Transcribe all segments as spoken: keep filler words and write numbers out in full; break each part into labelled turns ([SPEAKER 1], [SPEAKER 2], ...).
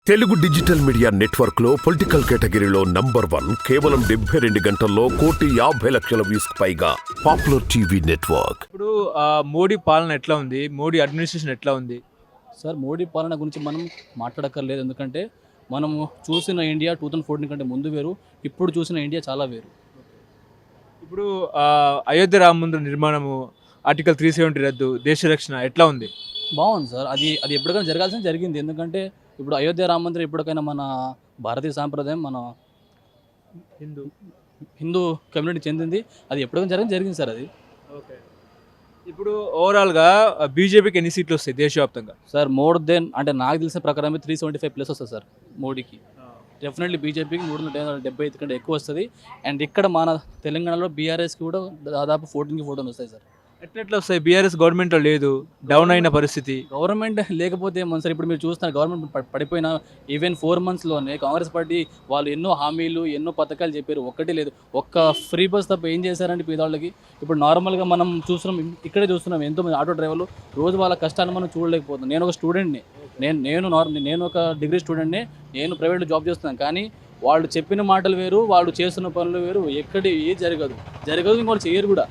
[SPEAKER 1] Telugu digital media network లో political కేటగిరీలో number one కేవలం డెబ్బై రెండు గంటల్లో కోటి యాభై లక్షల వ్యూస్ పైగా పాపులర్ టీవీ నెట్వర్క్.
[SPEAKER 2] ఇప్పుడు ఆ, మోడీ పాలన ఎట్లా ఉంది? మోడీ అడ్మినిస్ట్రేషన్ ఎట్లా ఉంది?
[SPEAKER 3] సార్ మోడీ పాలన గురించి మనం మాట్లాడక్కర్లేదు. ఎందుకంటే మనము చూసిన ఇండియా టూ థౌజండ్ ఫోర్టీన్ కంటే ముందు వేరు, ఇప్పుడు చూసిన ఇండియా చాలా వేరు.
[SPEAKER 2] ఇప్పుడు ఆ, అయోధ్య రామ మందిర నిర్మాణము, ఆర్టికల్ త్రీ సెవెంటీ రద్దు, దేశ రక్షణ ఎట్లా ఉంది?
[SPEAKER 3] బాగుంది సార్. అది అది ఎప్పటికైనా జరగాల్సిన జరిగింది. ఎందుకంటే ఇప్పుడు అయోధ్య రామ మందిరం ఎప్పటికైనా మన భారతీయ సాంప్రదాయం, మన
[SPEAKER 2] హిందూ
[SPEAKER 3] హిందూ కమ్యూనిటీ చెందింది. అది ఎప్పటికైనా జరిగింది జరిగింది సార్. అది
[SPEAKER 2] ఓకే. ఇప్పుడు ఓవరాల్గా బీజేపీకి ఎన్ని సీట్లు వస్తాయి దేశవ్యాప్తంగా?
[SPEAKER 3] సార్ మోర్ దెన్ అంటే నాకు తెలిసిన ప్రకారం త్రీ సెవెంటీ ఫైవ్ ప్లస్ వస్తుంది సార్ మోడీకి. డెఫినెట్లీ బీజేపీకి మూడు వందల డెబ్బై ఐదు కంటే ఎక్కువ వస్తుంది. అండ్ ఇక్కడ మన తెలంగాణలో బీఆర్ఎస్కి కూడా దాదాపు ఫోర్టీన్కి ఫోర్టీన్ వస్తాయి సార్.
[SPEAKER 2] ఎట్లెట్లా వస్తాయి? బీఆర్ఎస్ గవర్నమెంట్లో లేదు, డౌన్ అయిన పరిస్థితి.
[SPEAKER 3] గవర్నమెంట్ లేకపోతే ఏమన్నా సార్? ఇప్పుడు మీరు చూస్తున్నారు గవర్నమెంట్ ప- పడిపోయిన ఈవెన్ ఫోర్ మంత్స్లోనే కాంగ్రెస్ పార్టీ వాళ్ళు ఎన్నో హామీలు ఎన్నో పథకాలు చెప్పారు, ఒక్కటి లేదు. ఒక్క ఫ్రీ బస్ తప్ప ఏం చేశారంటే పేదవాళ్ళకి. ఇప్పుడు నార్మల్గా మనం చూస్తున్నాం, ఇక్కడే చూస్తున్నాం ఎంతోమంది ఆటో డ్రైవర్లు రోజు వాళ్ళ కష్టాన్ని మనం చూడలేకపోతున్నాం. నేను ఒక స్టూడెంట్ని, నేను నేను నార్మల్ నేను ఒక డిగ్రీ స్టూడెంట్ని, నేను ప్రైవేట్లో జాబ్ చేస్తున్నాను. కానీ వాళ్ళు చెప్పిన మాటలు వేరు, వాళ్ళు చేస్తున్న పనులు వేరు. ఎక్కడి ఏ జరగదు జరగదు ఇంకోళ్ళు చేయరు కూడా.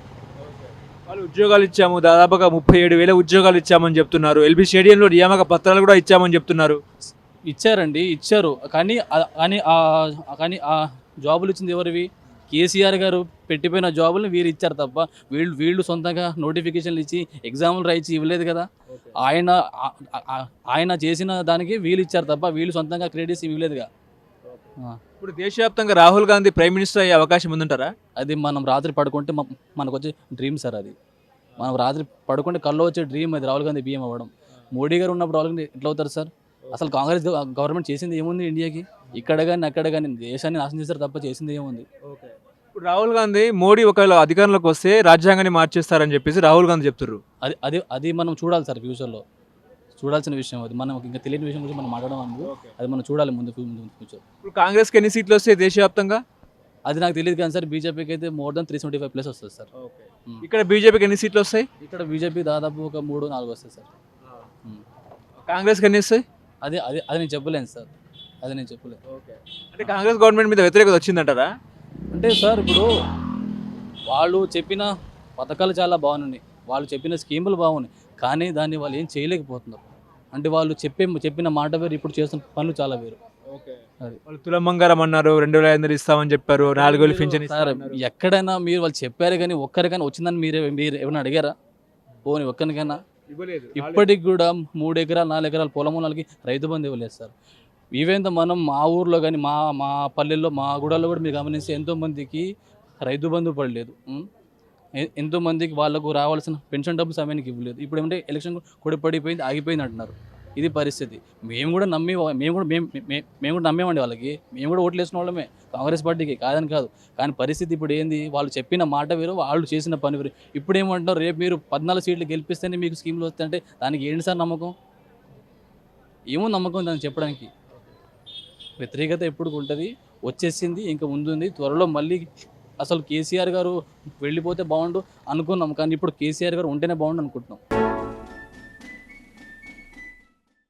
[SPEAKER 2] వాళ్ళు ఉద్యోగాలు ఇచ్చాము, దాదాపుగా ముప్పై ఏడు వేల ఉద్యోగాలు ఇచ్చామని చెప్తున్నారు. ఎల్బీ స్టేడియంలో నియామక పత్రాలు కూడా ఇచ్చామని చెప్తున్నారు.
[SPEAKER 3] ఇచ్చారండి, ఇచ్చారు. కానీ ఆ- కానీ ఆ- కానీ ఆ జాబులు ఇచ్చింది ఎవరివి? కేసీఆర్ గారు పెట్టిపోయిన జాబులు వీరు ఇచ్చారు తప్ప వీళ్ళు వీళ్ళు సొంతంగా నోటిఫికేషన్లు ఇచ్చి ఎగ్జామ్లు రాయించి ఇవ్వలేదు కదా. ఆయన ఆ- ఆ- ఆయన చేసిన దానికి వీళ్ళు ఇచ్చారు తప్ప వీళ్ళు సొంతంగా క్రెడిట్స్ ఇవ్వలేదుగా. ఆ,
[SPEAKER 2] ఇప్పుడు దేశవ్యాప్తంగా రాహుల్ గాంధీ ప్రైమ్ మినిస్టర్ అయ్యే అవకాశం ఉందంటారా?
[SPEAKER 3] అది మనం రాత్రి పడుకుంటే మ- మనకు వచ్చే డ్రీమ్ సార్. అది మనం రాత్రి పడుకుంటే కల్లో వచ్చే డ్రీమ్ అది, రాహుల్ గాంధీ బియ్యం అవ్వడం. మోడీ గారు ఉన్నప్పుడు రాహుల్ గాంధీ ఎట్లా అవుతారు సార్? అసలు కాంగ్రెస్ గవ- గవర్నమెంట్ చేసింది ఏముంది ఇండియాకి? ఇక్కడ కానీ అక్కడ కానీ దేశాన్ని నాశనం చేస్తారు తప్ప చేసింది ఏముంది?
[SPEAKER 2] ఇప్పుడు రాహుల్ గాంధీ మోడీ ఒకవేళ అధికారంలోకి వస్తే రాజ్యాంగాన్ని మార్చేస్తారని చెప్పేసి రాహుల్ గాంధీ చెప్తున్నారు.
[SPEAKER 3] అది అది అది మనం చూడాలి సార్. ఫ్యూచర్లో చూడాల్సిన విషయం అది. మనం ఇంకా తెలియని విషయం గురించి మనం మాట్లాడడం అనుకో, అది మనం చూడాలి ముందు ఫ్యూచర్.
[SPEAKER 2] ఇప్పుడు కాంగ్రెస్కి ఎన్ని సీట్లు వస్తాయి దేశవ్యాప్తంగా?
[SPEAKER 3] అది నాకు తెలియదు కానీ సార్ బీజేపీకి అయితే more than three seventy five plus వస్తుంది సార్. ఉమ్.
[SPEAKER 2] ఇక్కడ బీజేపీకి ఎన్ని సీట్లు వస్తాయి?
[SPEAKER 3] ఇక్కడ బీజేపీ దాదాపు ఒక మూడు నాలుగు వస్తాయి సార్. ఉమ్.
[SPEAKER 2] కాంగ్రెస్కి ఎన్ని వస్తాయి?
[SPEAKER 3] అది అది అది నేను చెప్పలేను సార్, అది నేను చెప్పలేను.
[SPEAKER 2] అంటే కాంగ్రెస్ గవర్నమెంట్ మీద వ్యతిరేకత వచ్చిందంటారా?
[SPEAKER 3] అంటే సార్ ఇప్పుడు వాళ్ళు చెప్పిన పథకాలు చాలా బాగున్నాయి, వాళ్ళు చెప్పిన స్కీములు బాగున్నాయి, కానీ దాన్ని వాళ్ళు ఏం చేయలేకపోతున్నారు. అంటే వాళ్ళు చెప్పే చెప్పిన మాట వేరు, ఇప్పుడు చేస్తున్న పనులు చాలా వేరు. అది
[SPEAKER 2] వాళ్ళు తులం బంగారం అన్నారు, రెండు వేల ఐదు వందలు ఇస్తామని చెప్పారు, నాలుగు వేలు పింఛన్
[SPEAKER 3] సార్ ఎక్కడైనా మీరు వాళ్ళు చెప్పారు కానీ ఒక్కరికైనా వచ్చిందని మీరే మీరు ఏమైనా అడిగారా? పోనీ ఒక్కరికైనా? ఇప్పటికి కూడా మూడు ఎకరాలు నాలుగు ఎకరాల పొలం వాళ్ళకి రైతు బంధు ఇవ్వలేదు సార్. ఈవెన్ మనం మా ఊర్లో కానీ మా మా పల్లెల్లో మా గుడాల్లో కూడా మీరు గమనిస్తే ఎంతోమందికి రైతు బంధు పడలేదు. ఉం? ఎ- ఎంతోమందికి వాళ్ళకు రావాల్సిన పెన్షన్ డబ్బులు సమయానికి ఇవ్వలేదు. ఇప్పుడు ఏమంటే ఎలక్షన్ కూడా పడిపోయింది, ఆగిపోయింది అంటున్నారు. ఇది పరిస్థితి. మేము కూడా నమ్మి మేము కూడా మేము మే- మేము కూడా నమ్మేమండి వాళ్ళకి. మేము కూడా ఓట్లు వేసిన వాళ్ళమే కాంగ్రెస్ పార్టీకి, కాదని కాదు. కానీ పరిస్థితి ఇప్పుడు ఏంది? వాళ్ళు చెప్పిన మాట వేరు, వాళ్ళు చేసిన పని వేరు. ఇప్పుడు ఏమంటున్నారు? రేపు మీరు పద్నాలుగు సీట్లు గెలిపిస్తేనే మీకు స్కీమ్లు వస్తాయంటే దానికి ఏంటి సార్ నమ్మకం? ఏమో నమ్మకం దాన్ని చెప్పడానికి? వ్యతిరేకత ఎప్పుడు ఉంటుంది, వచ్చేసింది, ఇంకా ముందుంది. త్వరలో మళ్ళీ అసలు కేసీఆర్ గారు వెళ్ళిపోతే బాగుండు అనుకున్నాం, కానీ ఇప్పుడు కేసీఆర్ గారు ఉంటేనే బాగుండు అనుకుంటున్నాం.